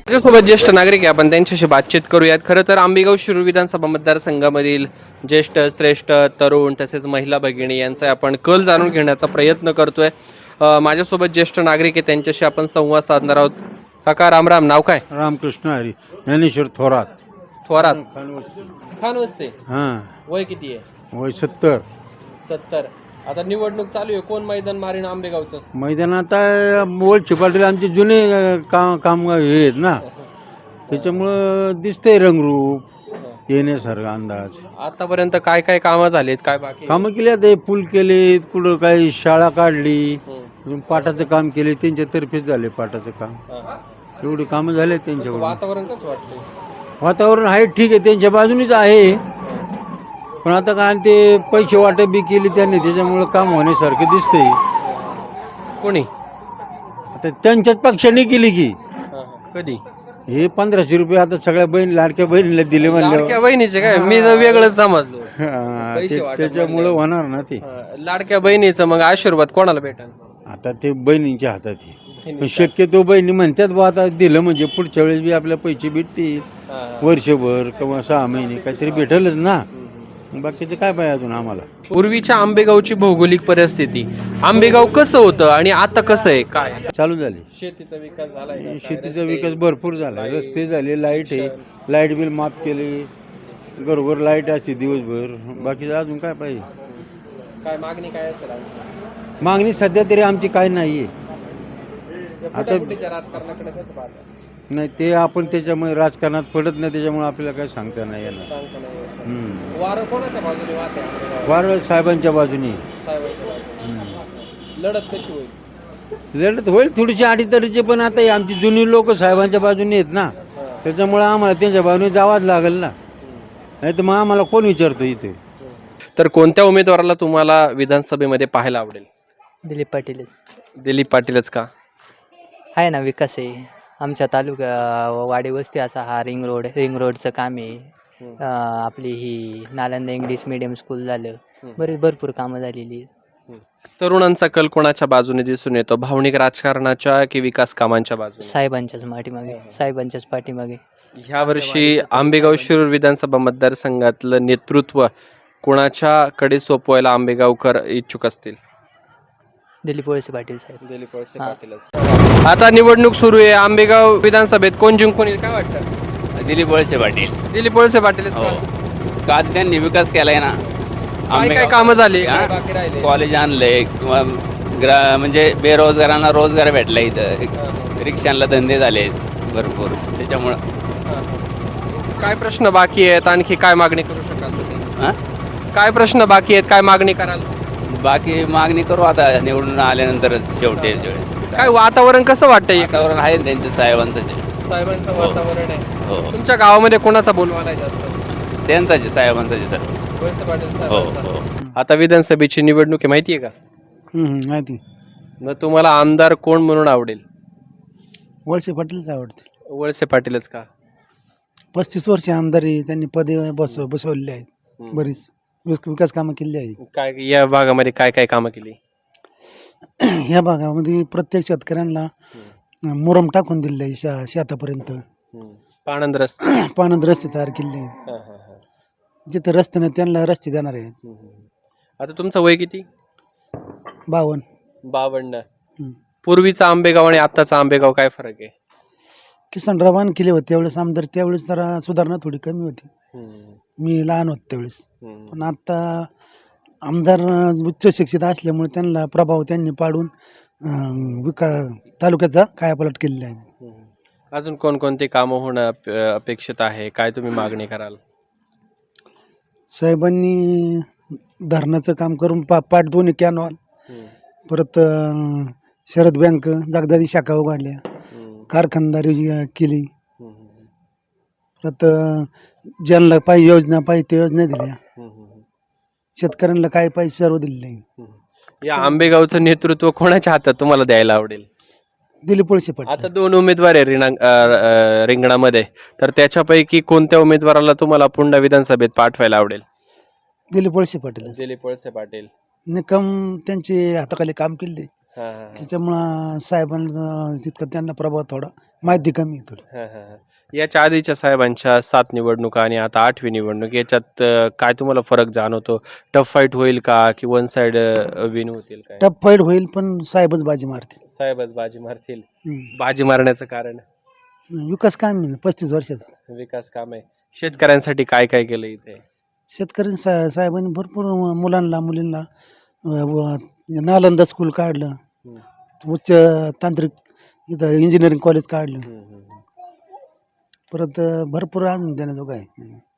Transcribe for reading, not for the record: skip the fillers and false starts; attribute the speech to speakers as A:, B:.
A: माझ्यासोबत ज्येष्ठ नागरिक आहे, आपण त्यांच्याशी बातचीत करूयात. खरं तर आंबेगाव शिरूर विधानसभा मतदारसंघामधील ज्येष्ठ श्रेष्ठ तरुण तसेच महिला भगिनी यांचा आपण कल जाणून घेण्याचा प्रयत्न करतोय. माझ्यासोबत ज्येष्ठ नागरिक आहे, त्यांच्याशी आपण संवाद साधणार आहोत. काका राम राम, नाव काय?
B: रामकृष्ण हरी ज्ञानेश्वर थोरात.
A: थोरात खान वस्ते.
B: हां,
A: वय किती आहे?
B: वय 70.
A: 70. आता निवडणूक चालू आहे, कोण मैदान मारीन आंबेगावचं?
B: मैदानात मोलचे पाटील आमचे जुने काम हे आहेत ना, त्याच्यामुळं दिसतंय रंगरूप येण्यासारखा अंदाज.
A: आतापर्यंत काय काय कामं झालीत, काय बाकी?
B: कामं केली आता, पूल केलेत, कुठं काही शाळा काढली, पाटाचं काम केले, त्यांच्यातर्फेच झाले पाटाचं काम. एवढी कामं झाले त्यांच्याकडून.
A: वातावरण कसं वाटतं?
B: वातावरण आहे ठीक आहे, त्यांच्या बाजूनीच आहे, पण आता काय ते पैसे वाटप बी केली त्यांनी, त्याच्यामुळं काम होण्यासारखं दिसतंय.
A: कोणी?
B: आता त्यांच्याच पक्षाने केली की
A: कधी?
B: हे 1500 रुपये आता सगळ्या लाडक्या बहिणीला दिले म्हणल्यावर
A: लाडक्या बहिणीचे काय? मी जर वेगळंच समजलो. पैसे वाटप
B: त्याच्यामुळं
A: म्हणल्यावर.
B: होणार ना ते.
A: लाडक्या बहिणीचं मग आशीर्वाद कोणाला भेटेल?
B: आता ते बहिणींच्या हातात आहे, पण शक्यतो बहिणी म्हणतात बा आता दिलं म्हणजे पुढच्या वेळेस बी आपल्या पैसे भेटतील, वर्षभर किंवा 6 महिने काहीतरी भेटेलच ना. बाकीचं काय पाहिजे अजून आम्हाला.
A: पूर्वीच्या आंबेगावची भौगोलिक परिस्थिती, आंबेगाव कसं होतं आणि आता कसं आहे, काय
B: चालू झाली
A: शेतीचा विकास झालाय?
B: शेतीचा विकास भरपूर झाला, रस्ते झाले, लाईट आहे, लाईट बिल माफ केले, घरोघर लाईट असते दिवसभर. बाकीचं अजून काय पाहिजे?
A: काय मागणी काय असेल?
B: मागणी सध्या तरी आमची काय नाही आहे. आता
A: राजकारणाकडे कसं पाहता?
B: नाही ते आपण त्याच्यामुळे राजकारणात पडत नाही, त्याच्यामुळे आपल्याला काही सांगता नाही येणार.
A: वारं कोणाच्या बाजूने वाहते?
B: वार साहेबांच्या बाजूने.
A: साहेबांच्या बाजूने. लढत कशी होईल?
B: लढत होईल थोडीशी अडीतडीची, पण आता हे आमची जुनी लोक साहेबांच्या बाजूने आहेत ना, त्याच्यामुळे आम्हाला त्यांच्या बाजूने जावाच लागेल ना, नाही तर मग आम्हाला कोण विचारतो इथे.
A: तर कोणत्या उमेदवाराला तुम्हाला विधानसभेमध्ये पाहायला आवडेल?
C: दिलीप पाटीलच
A: दिलीप पाटीलच का?
C: आहे ना, विकास आहे आमच्या तालुका वाडी वस्ती असा हा रिंग रोडचं काम आहे. आपली ही नालंदा इंग्लिश मीडियम स्कूल झालं, भरपूर कामं झालेली आहेत.
A: तरुणांचा कल कोणाच्या बाजूने दिसून येतो, भावनिक राजकारणाच्या की विकास कामांच्या बाजूने?
C: साहेबांच्याच पाठीमागे.
A: ह्या वर्षी आंबेगाव शिरूर विधानसभा मतदारसंघातलं नेतृत्व कोणाच्याकडे सोपवायला आंबेगावकर इच्छुक असतील?
C: दिलीप वळसे पाटील साहेब.
A: दिलीप वळसे पाटीलच. आता निवडणूक सुरू आहे, आंबेगाव विधानसभेत कोण जिंकून येईल काय वाटतं?
D: दिलीप वळसे पाटील.
A: दिलीप वळसे पाटीलच
D: हो,
A: का?
D: का त्यांनी विकास केलाय ना.
A: काय काय कामं झाली,
D: हा?
A: काय बाकी राहिले?
D: कॉलेज आणलंय किंवा म्हणजे बेरोजगारांना रोजगार भेटला, इथं रिक्षांना धंदे झाले भरपूर, त्याच्यामुळं.
A: काय प्रश्न बाकी आहेत, आणखी काय मागणी करू शकाल तुम्ही?
D: हां,
A: काय प्रश्न बाकी आहेत, काय मागणी कराल?
D: बाकी मागणी करू आता निवडून आल्यानंतरच शेवटी वेळेस.
A: काय वातावरण कसं वाटतंय?
D: वातावरण आहे त्यांचं साहेबांचं.
A: साहेबांचं वातावरण आहे.
D: हो,
A: तुमच्या गावामध्ये कोणाचा बोलवायला जास्त?
D: त्यांचाच आहे, साहेबांचाच आहे सर.
A: वळसे पाटील
D: हो
A: साहेबांचा.
D: हो.
A: आता विधानसभेची निवडणूक आहे, माहिती आहे का?
B: माहिती.
A: मग तुम्हाला आमदार कोण म्हणून आवडेल?
B: वळसे पाटीलच आवडते.
A: वळसे पाटीलच का?
B: 35 वर्ष आमदारी त्यांनी पदे बसवलेली आहेत, बरीच विकास कामं केली आहेत.
A: काय या भागामध्ये काय काय कामं केली?
B: ह्या भागामध्ये प्रत्येक शेतकऱ्यांना मुरम टाकून दिले आहे, शेतापर्यंत
A: पाणंद रस्ते.
B: पाण्यात रस्ते तयार केले आहेत. जिथे रस्ते नाही त्यांना रस्ते देणार आहेत.
A: आता तुमचं वय किती?
B: 52.
A: 52. पूर्वीचा आंबेगाव आणि आत्ताचा आंबेगाव काय फरक आहे?
B: किसनरावान केले होते त्यावेळेस आमदार, त्यावेळेस जरा सुधारणा थोडी कमी होती, मी लहान होतो त्यावेळेस. पण आता आमदार उच्च शिक्षित असल्यामुळे त्यांना प्रभाव त्यांनी पाडून तालुक्याचा कायापालट केलेला आहे.
A: अजून कोणकोणती कामं होणं अपेक्षित आहे, काय तुम्ही मागणी कराल?
B: साहेबांनी धरणाचं काम करून पाट 2 कॅनॉल, परत शरद बँक जागदारी शाखा उघडल्या, कारखानदारी केली, परत ज्यांना पाहिजे योजना पाहिजे ते योजना दिल्या, शेतकऱ्यांना काय पाहिजे सर्व दिले.
A: या आंबेगावचं नेतृत्व कोणाच्या हातात तुम्हाला द्यायला आवडेल?
B: दिलीप वळसे पाटील.
A: आता 2 उमेदवार आहे रिंगणामध्ये, तर त्याच्यापैकी कोणत्या उमेदवाराला तुम्हाला पुन्हा विधानसभेत पाठवायला आवडेल?
B: दिलीप वळसे पाटील.
A: दिलीप वळसे पाटील.
B: निकम त्यांचे हाताखाली काम केले, त्याच्यामुळं साहेबांना तितकं त्यांना प्रभाव थोडा माहिती कमी आहे थोडी.
A: याच्या आधीच्या साहेबांच्या 7 निवडणुका आणि आता 8वी निवडणूक याच्यात काय तुम्हाला फरक जाणवतो? टफ फाईट होईल का की वन साइड विन होतील? काय
B: टफ फाईट होईल पण साहेबच बाजी मारतील.
A: साहेबच बाजी मारतील?
B: हम्म.
A: बाजी मारण्याचं कारण
B: विकास काम आहे 35 वर्षाचा.
A: विकास काम आहे. शेतकऱ्यांसाठी काय काय केलं इथे?
B: शेतकरी साहेबांनी भरपूर मुलांना मुलींना नालंदा स्कूल काढलं, उच्च तांत्रिक इथं इंजिनिअरिंग कॉलेज काढलं, परत भरपूर अजून देण्याजोगं आहे.